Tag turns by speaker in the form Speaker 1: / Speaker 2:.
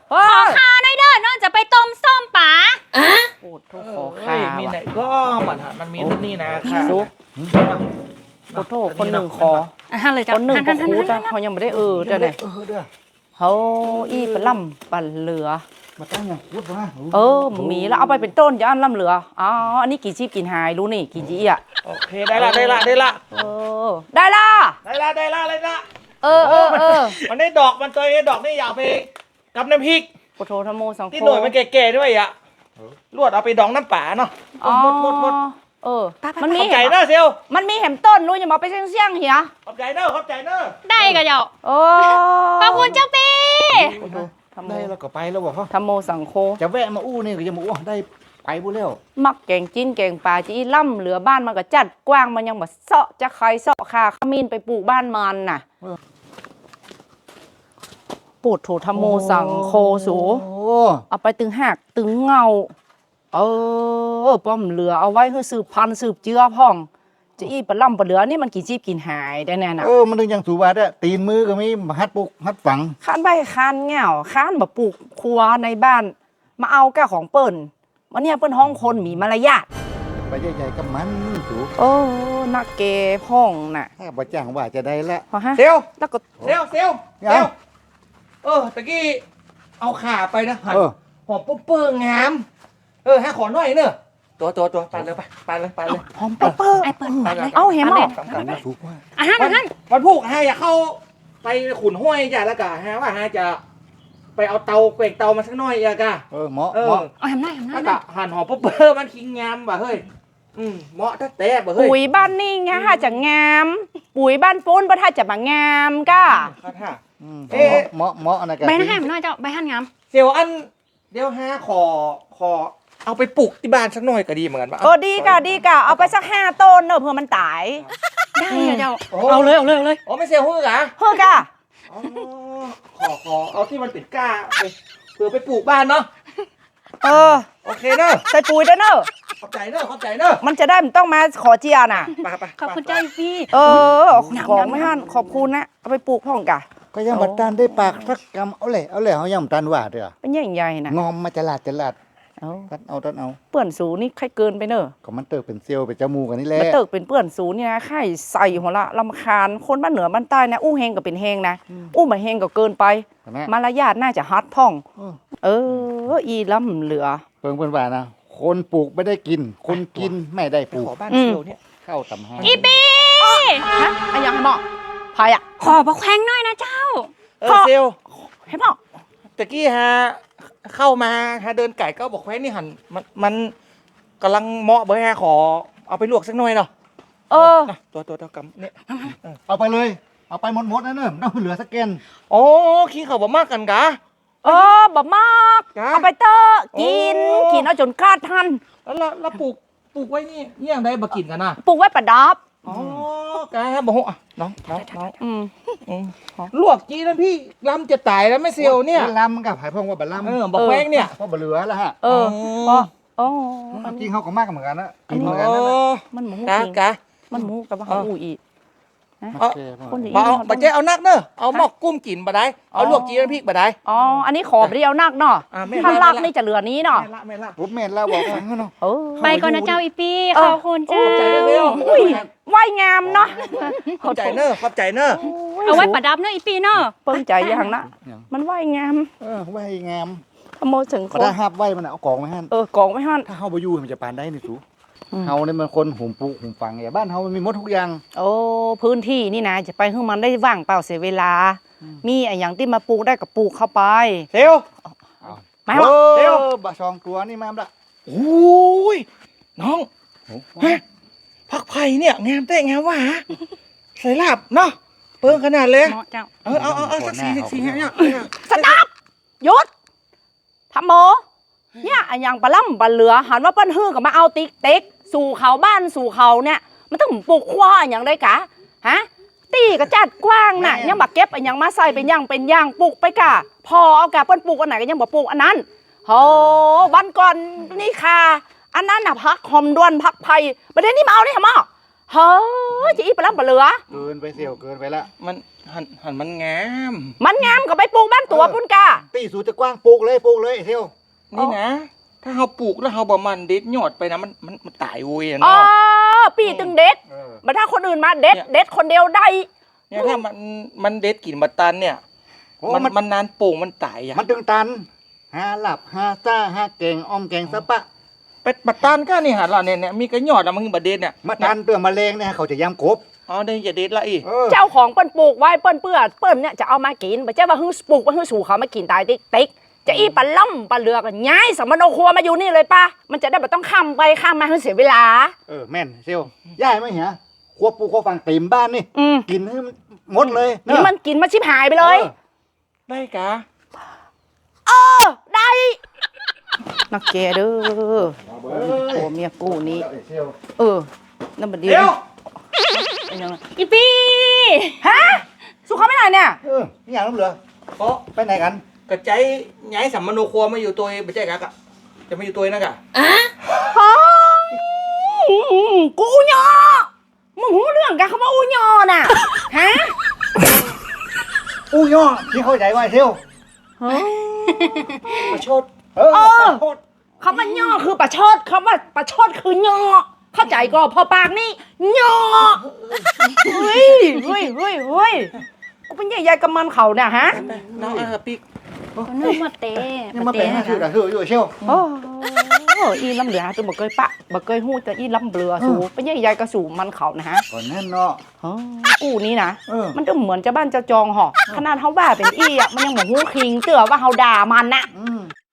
Speaker 1: ขอข้าวหน่อยเด้อน้องจะไปต้มส้มป๋า
Speaker 2: โอ้โหขอข้าว
Speaker 3: มีไหนก็มันมีนี่นะค่ะ
Speaker 2: ซุปโอ้โหคนหนึ่งขอ
Speaker 1: เลยจ้ะ
Speaker 2: คนหนึ่งก็คูจ้ะเขายังไม่ได้จ้ะเนี่ย
Speaker 3: เด้อ
Speaker 2: เขาอีปลาล่ำปลาเหลือ
Speaker 3: มาตั้งไงพูดว่า
Speaker 2: มีแล้วเอาไปเป็นต้นจะอันล่ำเหลืออ๋ออันนี้กี่ชีพกินหายรู้นี่กี่จีอ่ะ
Speaker 3: โอเคได้ละ
Speaker 2: ได้ละ
Speaker 3: ได้ละ มันได้ดอกมันตัวไอ้ดอกนี่อยากไปกับน้ำพริก
Speaker 2: โปโทธโมสังโฆ
Speaker 3: ที่หน่วยมันแก่ๆด้วยอ่ะลวดเอาไปดองน้ำป่าเนาะหมด
Speaker 2: มันมี
Speaker 3: ขอบใจเนอะเซล
Speaker 2: มันมีแหมต้นรู้อย่ามาไปเสี่ยงเหีย
Speaker 3: ขอบใจเนอะ
Speaker 1: ได้ก็เจ้าขอบคุณเจ้าปี
Speaker 3: ได้แล้วก็ไปแล้วบอกเขา
Speaker 2: ธโมสังโฆ
Speaker 3: จะแวะมาอู้นี่ก็จะมาอู้ได้ไปบุแล้ว
Speaker 2: มักแกงจิ้นแกงปลาจีล่ำเหลือบ้านมันก็จัดกว้างมันยังแบบเสาะจะใครเสาะคาขมิ้นไปปลูกบ้านมันน่ะปูดโถธโมสังโฆสูเอาไปตึงหักตึงเงาป้อมเหลือเอาไว้เพื่อสืบพันธุ์สืบเจือพ่องจะอีปลาล่ำปลาเหลือนี่มันกี่ชีพกินหายได้แน่น่ะ
Speaker 3: มันถึงยังสูบาได้ตีนมือก็มีฮัดปุกฮัดฝัง
Speaker 2: ข้านใบข้านเงาข้านแบบปลูกครัวในบ้านมาเอาก้าของเปิ้นวันนี้เปิ้นห้องคนมีมารยาท
Speaker 3: ไปใหญ่ๆกับมันสู
Speaker 2: นักเกพ่องน่ะ
Speaker 3: ถ้าบ่จ้างว่าจะได้ละ
Speaker 2: พอฮะ
Speaker 3: เซล
Speaker 2: แล้วก็
Speaker 3: ตะกี้เอาขาไปนะหันหอมปุ๊บเปิ้งงามให้ขอหน่อยเนอะตัวไปเลย
Speaker 2: หอมเปิ้ล
Speaker 1: ไอ้เปิ้ลไปเลย
Speaker 2: เอาเห็นมั้ย
Speaker 3: สูกว่า
Speaker 1: มัน
Speaker 3: พูกให้อยากเข้าไปขุนห้วยจ้ะแล้วก็ฮะว่าฮะจะไปเอาเตาเกวกเตามาสักหน่อยอะกะเหมาะ
Speaker 1: เอาทำได้
Speaker 3: แล้วก็หั่นหอมปุ๊บเปิ้งมันคิงงามบ่เฮ้ยเหมาะแต่บ่เฮ้ย
Speaker 2: ปุ๋ยบ้านนี่ไงฮะจะงาม ปุ๋ยบ้านปุ้นบ่ถ้าจะมางามก้า
Speaker 3: เหมาะนะกัน
Speaker 1: ใบหน้าให้มันน้อยเจ้าใบหั่นงาม
Speaker 3: เซียวอันเดี๋ยวฮะขอเอาไปปลูกที่บ้านสักหน่อยก็ดีเหมือนกันป่ะ
Speaker 2: ดีกะเอาไปสัก5 ต้นเนอะเพื่อมันตาย
Speaker 1: ได้เจ้าเอาเลย
Speaker 3: ไม่เซียวฮื้อกะ
Speaker 2: เฮ้อกะ
Speaker 3: ขอเอาที่มันเป็นก้าไปเพื่อไปปลูกบ้านเนาะโอเคเนอะ
Speaker 2: ใส่ปุ๋ยด้วยเนอะ
Speaker 3: ขอบใจเนอะ
Speaker 2: มันจะได้มันต้องมาขอเจียน่ะ
Speaker 3: ไป
Speaker 1: ขอบคุณเจ้าพี่
Speaker 2: ของไม่ฮั่นขอบคุณนะเอาไปปลูกพ่องกะ
Speaker 3: ก็ยังบัดตันได้ปากสักกำเอาเลยเขายังบัดตันว่าเด้อ
Speaker 2: เป็นใหญ่ๆนะ
Speaker 3: งอมมาจลาดตัดเอา
Speaker 2: เปื่อนสูนี่ใครเกินไปเนอะ
Speaker 3: ก็มันเติบเป็นเซียวเป็นจมูกกันนี่แหละ
Speaker 2: มันเติกเป็นเปื่อนสูนี่นะไข่ใส่หัวละลำคาญคนบ้านเหนือบ้านใต้นะอู้เฮงก็เป็นเฮงนะอู้มาเฮงก็เกินไปมารยาทน่าจะฮัดพ่องอีล้ำเหลือ
Speaker 3: เพิ่งว่านะคนปลูกไม่ได้กินคนกินไม่ได้ปลูกบ้านเซียวเนี่ยเข้าตำห้า
Speaker 1: อีปี
Speaker 2: ฮะไอ้ยังให้หมอพายอ่ะ
Speaker 1: ขอบักแข้งหน่อยนะเจ้า
Speaker 3: เซียว
Speaker 2: ให้หมอ
Speaker 3: ตะกี้ฮะเข้ามาฮะเดินไก่ก็บอกแว้นี่หันมันกำลังเหมาะเบอร์ฮะขอเอาไปลวกสักหน่อยเนาะตัวกำเนี่ยเอาไปเลยเอาไปหมดนะเนอะต้องเหลือสักแกนขี้เขาบ่มากกันกะ
Speaker 2: บ่มากเอาไปเตอกินเอาจนกล้าทัน
Speaker 3: แล้วปลูกไว้นี่ยังได้บ่กินกันนะ
Speaker 2: ปลูกไว้ประดับ
Speaker 3: กะบ่ฮู้น้องลวกจีนั่นพี่ลำจะตายแล้วไม่เซียวเนี่ยลำกับไผ่พงว่าบะลำบอกแว้งเนี่ยเพราะบะเหลือแล้วฮะจริงเขาก็มากเหมือนกันนะกินเหมือนกันนะ
Speaker 2: มันหมูมันหมูกับว่าอูอี
Speaker 3: บะเจ๊เอานักเนอะเอาหมอกกุ้มกินบะได้เอาลวกจีนั่นพี่บะได้
Speaker 2: อันนี้ขอไปเอานักเนาะถ้าลักนี่จะเหลือนี้เนาะ
Speaker 3: ไม่ละผมเมนแล้วบอกฟังเนาะ
Speaker 1: ไปก่อนนะเจ้าอีปีขอบคุณเจ้า
Speaker 2: ว่ายงามเนาะ
Speaker 3: ขอบใจเนอะ
Speaker 1: เอาไว้ประดับเนอะอีปีเนอะ
Speaker 2: เปิ้งใจอย่างนะมันว่ายงาม
Speaker 3: ว่ายงาม
Speaker 2: ขโมยถึงคน
Speaker 3: ถ้าหับไว้มันเอากองไม่หั่น
Speaker 2: กองไม่หั่น
Speaker 3: ถ้าเฮาบ่อยู่มันจะปานได้นี่สูเฮาเนี่ยมันคนหุ่มปุหุ่มฟังบ้านเฮามันมีหมดทุกอย่าง
Speaker 2: พื้นที่นี่นะจะไปให้มันได้ว่างเปล่าเสียเวลามีอย่างที่มาปลูกได้ก็ปลูกเข้าไป
Speaker 3: เซล
Speaker 2: มาเซล
Speaker 3: บะชองตัวนี่มาละโอ้ยน้องผักไผ่เนี่ยงามแต่งามว่ะใส่ลาบเนาะเปิ้งขนาดเลยเอาสักสี่เนี่ย
Speaker 2: สต๊อปหยุดทำโมเนี่ยอย่างปลาล่ำปลาเหลือหันว่าปั้นฮื้อกับมาเอาติ๊กสู่เขาบ้านสู่เขาเนี่ยมันต้องปลูกคว้าอย่างไรกะฮะตีก็จัดกว้างน่ะยังบักเก็บอย่างมาใส่เป็นย่างปลูกไปกะพอเอากะเปิ้นปลูกอันไหนก็ยังบอกปลูกอันนั้นโหวันก่อนนี่ค่ะอันนั้นน่ะพักหอมด้วนพักไผ่ประเด็นนี้มาเอาได้หรอเฮ้ยจะอีปลาล่ำปลาเหลือ
Speaker 4: เกินไปเสี่ยวเกินไปละ
Speaker 3: มันหันมันงาม
Speaker 2: มันงามก็ไปปลูกบ้านตัวพุ่นกา
Speaker 4: ตีสูจะกว้างปลูกเลยไอ้เสี่ยว
Speaker 3: นี่นะ ถ้าเราปลูกแล้วเราบ่มันเด็ดยอดไปนะมันตายเว้ย
Speaker 2: อ๋อ
Speaker 3: เนาะ
Speaker 2: ปีตึงเด็ด
Speaker 4: เออ
Speaker 2: มาถ้าคนอื่นมาเด็ดคนเดียวได้
Speaker 3: เนี่ยถ้ามันเด็ดกินบัตตันเนี่ย
Speaker 4: โอ้
Speaker 3: มันนานปลูกมันตายอ่ะ
Speaker 4: มันตึงตันหาหลับหาซ่าหาเก่งออมแกงสะปะ
Speaker 3: เป็ดบัตตันก็นี่หาเราเนี่ยมีกระยอดอะมันคือบัดเด็ดเนี่ย
Speaker 4: มาตันเปลือกมะเร็งเนี่ยเขาจะย้ำกบ
Speaker 3: อ๋อได้จะเด็ดละอี
Speaker 2: เจ้าของเปิ้นปลูกไว้เปิ้นเปื้อเปิ้นเนี่ยจะเอามากินไม่ใช่ว่าฮึ่งปลูกว่าฮึ่งสู่เขามากินตายติ๊กจะอีปลาล่ำปลาเหลือกันย้ายสมโนครัวมาอยู่นี่เลยป้ามันจะได้ไม่ต้องข้ามไปข้ามมาให้เสียเวลา
Speaker 4: แม่นเสี่ยวย่ายไหมเหียควบปูควบฟังเต็มบ้านนี่
Speaker 2: อืม
Speaker 4: กินให้มันหมดเลย
Speaker 2: นี่มันกินมาชิบหายไปเลย
Speaker 3: ได้กะ
Speaker 2: ได้นักแกเด้อโอ้เมียกูนี้นั่นบัดเดียว
Speaker 3: เดี๋ยว
Speaker 2: เป็นยังไง
Speaker 1: อีปี
Speaker 2: ฮะสู้เขาไม่ได้เนี่ย
Speaker 4: นี่อย่างนั้นเหรอ
Speaker 3: เพราะ
Speaker 4: ไปไหนกัน
Speaker 3: กระใจย้ายสัมมโนครัวมาอยู่ตัวไม่ใช่กะจะมาอยู่ตัวนั่นกะ
Speaker 2: กูอุญอมึงหูเรื่องกันเขาว่าอุญอน่ะฮะ
Speaker 4: อู้ย่อที่เข้าใจว่าไอ้เสี่ยว
Speaker 3: ประชด
Speaker 4: โคตร
Speaker 2: คำว่าย่อคือประชดคำว่าประชดคือย่อเข้าใจก็พอปากนี่ย่อเฮ้ยกูเป็นใหญ่ๆกับมันเขาเนี่ยฮะ
Speaker 3: น้องปิ๊ก
Speaker 1: คนนึกมาเตะ
Speaker 4: นี่มาเป็นคือแต่คืออยู่เสี่ยว
Speaker 2: โอ้อีลำเหลือตัวบ่เคยปะบ่เคยหู้แต่อีลำเบลือสูเป็นใหญ่ๆกับสูมันเขานะฮะ
Speaker 4: ก่อนนั่นเนาะ
Speaker 2: กูนี่นะ
Speaker 4: เออ
Speaker 2: มันก็เหมือนเจ้าบ้านเจ้าจองหอขนาดเขาว่าเป็นอีอ่ะมันยังบอกหูคิงเตือว่าเขาด่ามันนะ
Speaker 4: อืม